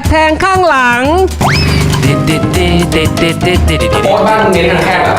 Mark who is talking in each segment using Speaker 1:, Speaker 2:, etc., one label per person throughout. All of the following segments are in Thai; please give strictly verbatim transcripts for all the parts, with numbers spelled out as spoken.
Speaker 1: บแทงข้างหลังติดติดติดติดติดติดติดติด
Speaker 2: โอ๊ตบ้านมึงเน้นแคบแบบ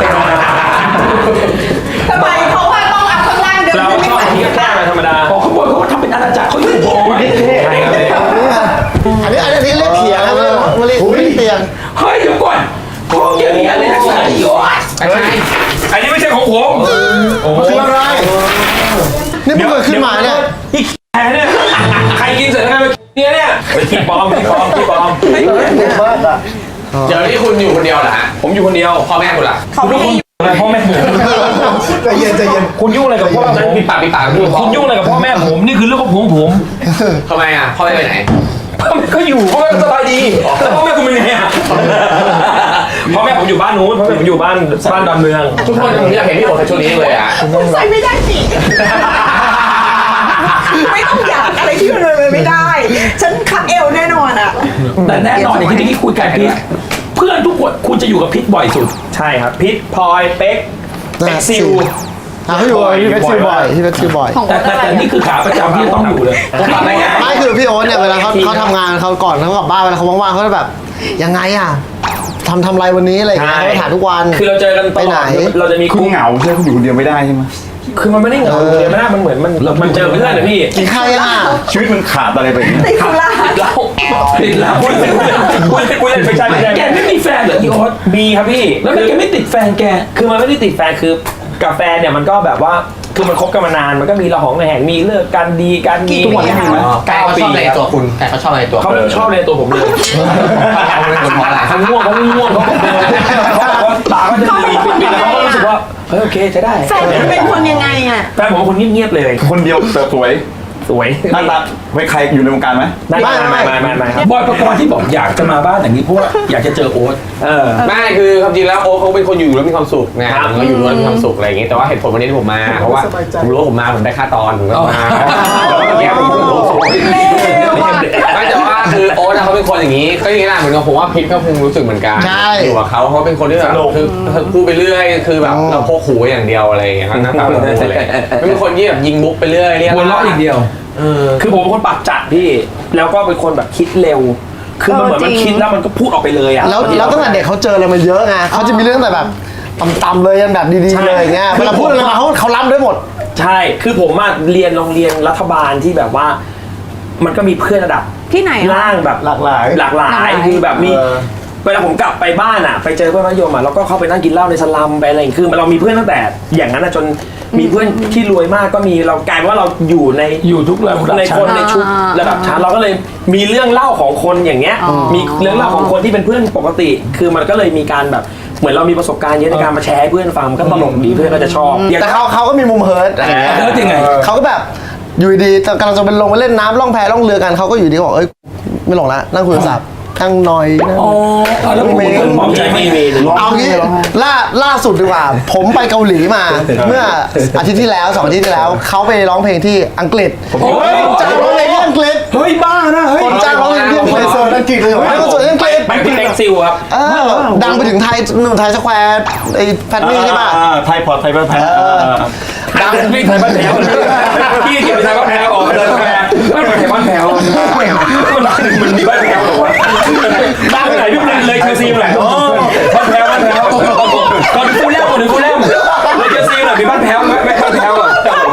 Speaker 3: ทำไมเขาว่าต้องเอาข้างล่างเดิน
Speaker 4: เราชอบที่แค่ธรรมดาพอเขาบอกเขาทำเป็นอาณาจักรเขาอยู่โบว์ใช่ครับ
Speaker 5: อันนี้อันนี้เรียกเถียงครับไม่เรียกไม่เรียกเตียง
Speaker 4: เฮ้ยเดี๋ยวก่อนพวกเกี่ยวกับอะไรนะไอ้ยอด
Speaker 2: ใช่
Speaker 4: อันนี้ไม่ใช่ของผม
Speaker 5: มันคืออะไรนี่เพิ่งเกิดขึ้นมาเนี่ย
Speaker 4: อีกแค่เนี่ยใครกินเสร็จแล้วไงเนี่ยเนี่ยไปขี้ปลอมขี้ปลอมขี้ปลอม
Speaker 2: เดี๋ยวนี้คุณอยู่คนเดียวเหรอฮะ
Speaker 4: ผมอยู่คนเดียว
Speaker 2: พ่อแม่คุณล่ะ
Speaker 4: คุณทุกคนอะไรพ่อแม่ผม
Speaker 5: ใจเย็นใจเย็น
Speaker 4: คุณยุ่งอะไรกับพ่อผม
Speaker 2: ปิดปากปิดปากพูด
Speaker 4: คุณยุ่งอะไรกับพ่อแม่ผมนี่คือเรื่องของผมผม
Speaker 2: ทำไมอ่ะพ่อแม่ไปไหน
Speaker 4: พ่อแม่ก็อยู่พ่อแม่ก็สบายดีแล้วพ่อแม่คุณเป็นไงอ่ะพ่อแม่ผมอยู่บ้านนู้นพ่อแม่ผมอยู่บ้านบ้านดอนเมือง
Speaker 2: ทุกคนผมอยากเห็นพี่โอ๊ตในช่วงนี้เลยอ่ะ
Speaker 3: ใส่ไม่ได้สิไม่ต้องอยากอะไรที่มันเลยไม่ได้ ฉันคัดเอวแน่นอนอ่ะ
Speaker 6: แต่แน่นอนอย่างที่เมื่อกี้คุยกันพีทเพื่อนทุกคนคุณจะอยู่กับพีทบ่อยสุด
Speaker 4: ใช่ครับพิษพลอยเป๊กเป็กซิล
Speaker 5: อ่ะเขาอยู่ที่เวสซิลบ่อยที่เวสซิลบ่อย
Speaker 6: แต่แต่แต่นี่คือขาประจำที่จะต้องอยู่เลย
Speaker 5: ไม่คือพี่โอ๊ตเนี่ยเวลาเขาเขาทำงานเขาก่อนเขากลับบ้านเวลาเขาว่างๆเขาจะแบบยังไงอ่ะทำทำอะไรวันนี้อะไรอย่างเงี้ยเขาจะถามทุกวัน
Speaker 4: คือเราเจอกันต
Speaker 5: ไป
Speaker 4: ล
Speaker 5: ไหน
Speaker 4: อดเราจะมี
Speaker 7: คุณเหงาใช่ไหมคุณอยู่คนเดียวไม่ได้ใช่ไหม
Speaker 4: คือมันไม่ได้เหงาเดียวไม่ได้มันเหมือนมันมันเจอเพื่อนนะพี่
Speaker 5: กินข้าวยังอ่ะ
Speaker 7: ชีวิตมันขาดอะไรไปอย่างเงี้ย
Speaker 3: ติดสุรา
Speaker 4: เราติดแล้วพูดเล่นพูดเล่นพูดเล่นไม่ใช่ไม่ใช่
Speaker 6: แกไม่มีแฟนเหรออีโอ๊ต
Speaker 4: มีครับพี่
Speaker 6: แล้วทำไมแกไม่ติดแฟนแก
Speaker 4: คือมันไม่ได้ติดแฟนคือกาแฟเนี่ยมันก็แบบว่าคือมันคบกันมานานมันก็มีระหองระแหงมีเลิกกันดีกันมี
Speaker 6: ทุกวันนี้มีไหม
Speaker 2: กายเขาชอบในตัวคุณกายเขาชอบในตัว
Speaker 4: เขาไม่ชอบในตัวผมเลย
Speaker 2: เขาเป็นคนเพราะอะไร
Speaker 4: เขาง่วงเขาง่วงเขาเขาตาก็จะมีปิดๆแล้วเขาก็รู้สึกว่าเฮ้ยโอเคจะได้
Speaker 3: แฟนมันเป็นคนยังไงอ่ะ
Speaker 4: แฟนผมเป็นคนเงียบๆเลย
Speaker 7: คนเดียวแต่สวย
Speaker 4: สวย
Speaker 7: หน้าตาไว้ใครอยู่ในวงการไหม
Speaker 4: ไม่ไม่ไม่ไม่ไม่ไม่ครับ
Speaker 6: บอยประกรณ์ที่บอกอยากจะมาบ้านอย่างนี้เพราะว่าอยากจะเจอโอ๊ต
Speaker 4: เออ
Speaker 2: ไม่คือความจริงแล้วโอ๊ตเขาเป็นคนอยู่แล้วมีความสุขไงผมก็อยู่แล้วมีความสุขอะไรอย่างงี้แต่ว่าเหตุผลวันนี้ที่ผมมาเพราะว่าผมรู้ว่าผมมาผมได้ค่าตอนผมก็มาแต่ว่าเมื่อกี้ผมรู้สึกไม่แต่ว่าคือโอ๊ตเขาเป็นคนอย่างนี้ก็อย่างนี้แหละเหมือนกับผมว่าพิทก็คงรู้สึกเหมือนกันอยู่กับเขาเขาเป็นคนที่แบบคือพูดไปเรื่อยคือแบบเราพกหูอย่างเดียวอะไรอย่างเงี้ยหน้าตาเราพูดเลยไม่เป็นคนที่แบบยิงมุกไปเรื่อยเรียก
Speaker 6: หัวเราะอย่างเดียว
Speaker 2: เออ
Speaker 4: คือผมเป็นคนปากจัดพี่ แล้วก็เป็นคนแบบคิดเร็ว คือมันเหมือนมันคิดแล้วมันก็พูดออกไปเลยอ่ะ
Speaker 5: แล้วแล้วตั้งแต่เด็กเขาเจออะไรมาเยอะไงเขาจะมีเรื่องแต่แบบต่ำๆเลยยันแบบดีๆเลยอย่างเงี้ยเวลาพูดอะไรมาเขาเขารับได้หมด
Speaker 4: ใช่ คือผมมาเรียนโรงเรียนรัฐบาลที่แบบว่า มันก็มีเพื่อนระดับ
Speaker 3: ที่ไหนอ่ะ
Speaker 4: ล่างแบบ
Speaker 5: หลากหลาย
Speaker 4: หลากหลา
Speaker 3: หลากห
Speaker 4: ย
Speaker 3: ลาย
Speaker 4: คือแบบมี
Speaker 5: เออ
Speaker 4: เวลาผมกลับไปบ้านอ่ะ ไปเจอเพื่อนมัธยมอ่ะแล้วก็เข้าไปนั่งกินเหล้าในสลัมไปอะไรอย่างเงี้ยคือเรามีเพื่อนตั้งแต่อย่างนั้นอ่ะจนมีเพื่อนที่รวยมากก็มีเรากลายเป็นว่าเราอยู่ใน
Speaker 6: อยู่ทุกระดับ
Speaker 4: ใน
Speaker 6: ชั้
Speaker 4: คน
Speaker 6: น
Speaker 4: ในชุดระดับชั้นเราก็เลยมีเรื่องเล่าของคนอย่างเงี้ย มีเรื่องเล่าของคนที่เป็นเพื่อนปกติ คือมันก็เลยมีการแบบเหมือนเรามีประสบการณ์เยอะในการมาแชร์ให้เพื่อนฟังมันก็ตลกดีเพื่อนก็จะชอบอย่าง
Speaker 5: แต่เขาเขาก็มีมุมเฮิร์ตอะไรเงี้ย
Speaker 6: เฮิร์ตยังไง
Speaker 5: เขาก็แบบอยู่ดีๆกำลังจะเป็นลงไปเล่นน้ำล่องแพล่องเรือกันเขาก็อยู่ดีก็บอกเอ้ยไม่ลงละนั่งคุยโทรศัพท์นั่งนอยนั่ง
Speaker 6: อ๋อแล้วผมก็มองใจไม่ดี
Speaker 5: เอางี้ล่าล่าสุดดีกว่า ผมไปเกาหลีมา เมื่ออาทิตย์ที่แล้วสองอาทิตย์ที่แล้วเขาไปร้องเพลงที่อังกฤษผมจ้างร้องเพลงที่อังกฤษ
Speaker 6: เฮ้ยบ้านะเฮ้ย
Speaker 5: ผมจ้างร้องเพลงที่อังกฤษเสิร์ฟอังกฤษเลยเหรอไม่คอนเสิร์ตที่อังกฤษ
Speaker 4: ไปพี่แบงซิลครับ
Speaker 5: เออดังไปถึงไทยหนุ่มไทยสแควร์ไอ้แฟนนี่ใช่ป่ะ
Speaker 7: อ่าไทยพอร์ตไทยพอร์ตไทย
Speaker 4: ดังพี่ไทยบ้านแถวพี่เกี่ยวไทยบ้านแถวออกมาเลยแพรบ้านไทยบ้านแถวมันมันมีบ้านแถวหรอวะบ้านไหนพี่เลยเลยเชลซีไหนบ้านแถวบ้านแถวก่อนฟูลแลมก่อนถึงฟูลแลมเลยเชลซีหน่อยมีบ้านแถวไหมไม่บ้านแถวอ่ะ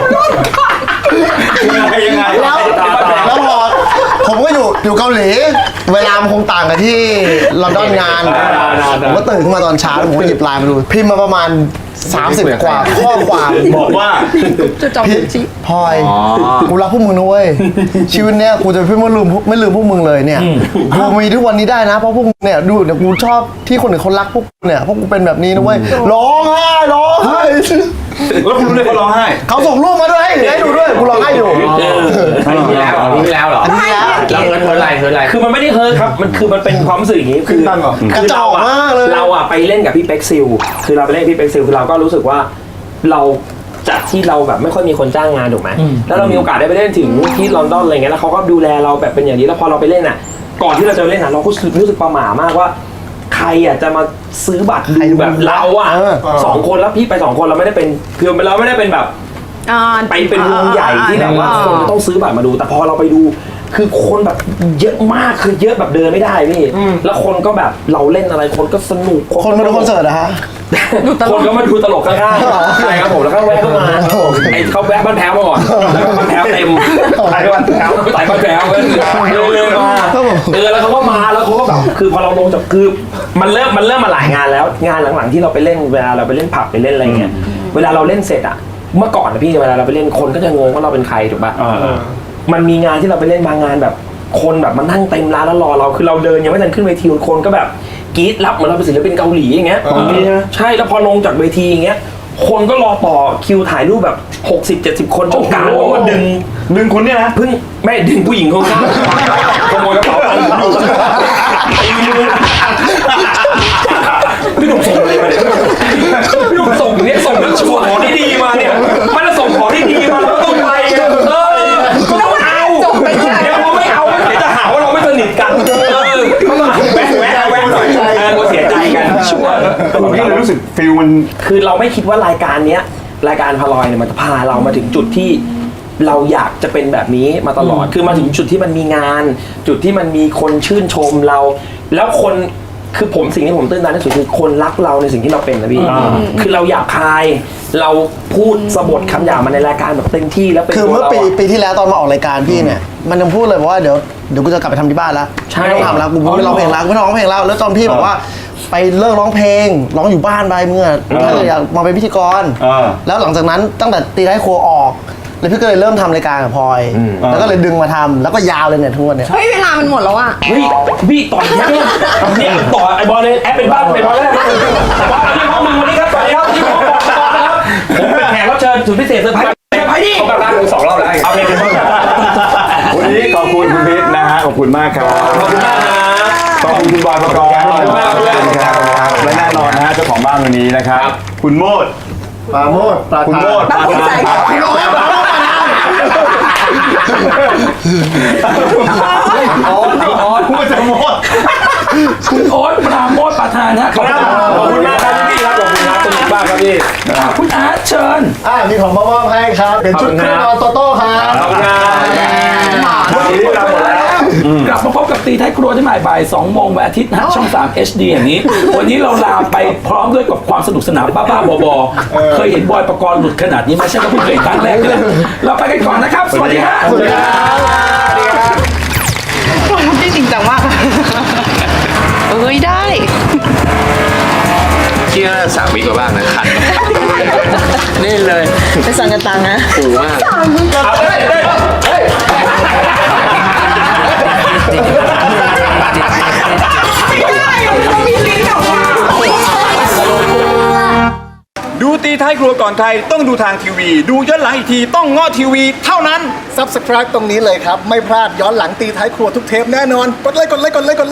Speaker 4: ยังไงยังไง
Speaker 5: แล้วแล้วพอผมก็อยู่อยู่เกาหลี เวลามันคงต่างกับที่ลอนดอนงาน ผมก็ตื่นขึ้นมาตอนเช้าแล้วผมก็หยิบไลน์มาดู พิมพ์มาประมาณ สามสิบ กว่าข้อความ
Speaker 7: บอกว่า
Speaker 5: พี่พลอยกูรักพวกมึงนะเว้ยชีวิตเนี้ยกูจะไม่ลืมไม่ลืมพวกมึงเลยเนี่ยกูมีทุกวันนี้ได้นะเพราะพวกมึงเนี่ยดูเนี่ยกูชอบที่คนอื่นเขารักพวกกูเนี่ยเพราะกูเป็นแบบนี้นะเว้ยร้องไห้ร้องไห้
Speaker 7: แล้วคุณรู้ได้เขาร้องไห้
Speaker 5: เขาส่งรูปมาด้วยให้ดูด้วยกูร้องไห้อยู่
Speaker 2: อันนี้แล้วอันนี้แล้วเหรอ
Speaker 5: อันนี้แล้ว
Speaker 2: แล้วเฮิร์ตเฮิร์ตอะไรเฮิร์ตอะไร
Speaker 4: คือมันไม่ได้เฮิร์ตครับมันคือมันเป็นความรู้สึกอย่างนี้คือก
Speaker 5: ระจอกมากเลย
Speaker 4: เราอะไปเล่นกับพี่เป็กซิลคือเราไปเล่นกับพี่เป็กซิลคือเราก็รู้สึกว่าเราจากที่เราแบบไม่ค่อยมีคนจ้างงานถูกไหมแล้วเรามีโอกาสได้ไปเล่นถึงที่ลอนดอนอะไรเงี้ยแล้วเขาก็ดูแลเราแบบเป็นอย่างนี้แล้วพอเราไปเล่นอ่ะก่อนที่เราจะเล่นอ่ะเราก็รู้สึกประหม่ามากว่าใครอ่ะจะมาซื้อบัตรดูแบบเราอ่ะสองคนแล้วพี่ไปสองคนเราไม่ได้เป็นคือเราไม่ได้เป็นแบบไปเป็นวงใหญ่ที่แบบว่าคนต้องซื้อบัตรมาดูแต่พอเราไปดูคือคนแบบเยอะมากคือเยอะแบบเดินไม่ได้พี่แล้วคนก็แบบเราเล่นอะไรคนก็สนุก
Speaker 5: คนมาดูคอนเสิร์ตอะฮะ
Speaker 4: คนก็มาดูตลกข้างๆใช่ครับผมแล้วก็แวะเข้ามาไอ้เขาแวะบ้านแพ้วมาก่อนแล้วก็บ้านแพ้วเต็มไอ้บ้านแพ้วไอ้บ้านแพ้วเร็วๆมาเออแล้วเขาก็มาแล้วเขาก็แบบคือพอเราลงจากคือมันเริ่มมันเริ่มมาหลายงานแล้วงานหลังๆที่เราไปเล่นเวลาเราไปเล่นผับไปเล่นอะไรเงี้ยเวลาเราเล่นเสร็จอะเมื่อก่อนนะพี่เวลาเราไปเล่นคนก็จะงงว่าเราเป็นใครถูกป่ะมันมีงานที่เราไปเล่นบางงานแบบคนแบบมานั่งเต็มร้านแล้วรอเราคือเราเดินยังไม่ทันขึ้นเวทีคนก็แบบกรี๊ดรับเหมือนเราเป็นศิลปินเกาหลีอย่างเงี้ยใช่แล้วพอลงจากเวทีอย่างเงี้ยคนก็รอต่อคิวถ่ายรูปแบบหกสิบ เจ็ดสิบคนจนกลางก็ดึง
Speaker 7: หนึ่งคนเนี่ยนะ
Speaker 4: เพิ่งไม่ดึงผู้หญิงข้างๆขโมยกระเป๋าตังค์ผมอยู่พี่หนุ่มส่งอะไรมาเนี่ยพี่หนุ่มส่งเนี่ยส่งแล้วชัวร์ของที่ดีมาเนี่ยมันจะส่งของที่ดีมาแล้วต้องไปกันเออก็ต้องเอาเดี๋ยวเราไม่เอาเดี๋ยวจะหาว่าเราไม่สนิทกันเออก็ต้องแวะแวะแวะหน่อยเออเราเสียใจกันชัวร์
Speaker 7: ผมก็เลยรู้สึกฟิลมัน
Speaker 4: คือเราไม่คิดว่ารายการเนี้ยรายการพาลอยเนี่ยมันจะพาเรามาถึงจุดที่เราอยากจะเป็นแบบนี้มาตลอดคือมาถึงจุดที่มันมีงาน จุดที่มันมีคนชื่นชมเรา แล้วคนคือผมสิ่งที่ผมตื่นตันที่สุดคือคนรักเราในสิ่งที่เราเป็นนะพี่คือเราอยากคาย เราพูดสะบดคำหยาบมาในรายการแบบเต็มที่แล้วเป็น
Speaker 5: คือ
Speaker 4: ตัว
Speaker 5: เมื่อ
Speaker 4: เรา
Speaker 5: ปี
Speaker 4: อะ
Speaker 5: ปีที่แล้วตอนมาออกรายการพี่เนี่ย มันยังพูดเลยบอกว่าเดี๋ยวเดี๋ยวกูจะกลับไปทำที่บ้านแล้ว
Speaker 4: ใช่
Speaker 5: ไม่ต้องทำแล้วกูไม่ร้องเพลงแล้วกูไม่ร้องเพลงแล้วแล้วตอนพี่บอกว่าไปเลิกร้องเพลงร้องอยู่บ้านไปเมื่อถ้าอยากมาเป็นพิธีกร
Speaker 7: เออ
Speaker 5: แล้วหลังจากนั้นตั้งแต่ตีท้ายครัวออกแล้วพี่ก็เลยเริ่มทำรายการกับพลอยแล้วก็เลยดึงมาทำแล้วก็ยาวเลยเนี่ยทุกวันเนี่ย
Speaker 3: เฮ้ยเวลามันหมดแล้วอ่ะ
Speaker 4: เฮ้ยพี่ต่อยนะเนี่ยต่อไอ้บอลเลยแอปเป็นบ้านเป็นบอลแล้วนะบอลที่ห้องมึงวันนี้ครับสวัสดีครับที่ห้องบอกต่อนะครับผมเป็นแขกรับเชิญสุดพิเศษเซอร์ไพรส์เซอร์ไพรส์ดิ
Speaker 2: เขากลับบ้านสองรอบแล้ว
Speaker 4: เอาเพลงเป็นต้นแบบ
Speaker 7: วันนี้ขอบคุณคุณพิษนะฮะขอบคุณมากครับ
Speaker 4: ขอบคุณมากนะ
Speaker 7: ขอบคุณคุณบอยประกอบ
Speaker 4: ขอบคุณมากครับ
Speaker 7: ครับและแน่นอนนะฮะเจ้าของบ้านวันนี้นะครับ คุณโมด
Speaker 5: ปาโมดปลา
Speaker 7: คุณโมด
Speaker 3: บ้าภูมิใจกับพี่โอ๊ต
Speaker 7: อ๋ออ๋อพูดจะโมด
Speaker 6: คุณโอ๊ตปราโมทประธานฮะขอบคุณ
Speaker 4: ขอบคุณมากครับพี่ครับขอบคุณครับสนุกมากครับพี่
Speaker 6: อ่ะคุณอาร์ตเชิญ
Speaker 5: อ่ามีของมามอบให้ครับเป็นชุดเครื่องนอนโตโต้ครับ
Speaker 4: ขอบคุณครับวันนี้เราหมดแล้ว
Speaker 6: กลับมาพบกับตีท้ายครัวที่ใหม่บ่ายสองโมงวันอาทิตย์นะฮะช่องสาม เอช ดี อย่างนี้ วันนี้เราลาไปพร้อมด้วยกับความสนุกสนานบ้าๆบอๆเคยเห็นบอยประกรณ์หลุดขนาดนี้ไหมใช่ก็เพิ่งเคยเห็นครั้งแรกเลยเราไปกันก่อนนะครับ สวัสดีครับ
Speaker 5: สวัสดีครับ
Speaker 3: ทำได้จริงจังมากเอ้ยได้
Speaker 2: ที่น่าจะสามวิกว่าบ้างนะคันนี่เลย
Speaker 3: ไปสั่งกันตังนะ
Speaker 2: ปูมาก
Speaker 4: เอาเลยเลยเฮ้ย
Speaker 3: มีลิ้นออกมา
Speaker 7: ดูตีท้ายครัวก่อนใครต้องดูทางทีวี ดูย้อนหลังอีกทีต้องง้อทีวีเท่านั้น
Speaker 5: Subscribe ตรงนี้เลยครับ ไม่พลาดย้อนหลังตีท้ายครัวทุกเทปแน่นอน กดไลค์กดไลค์กดไลค์กดไลค์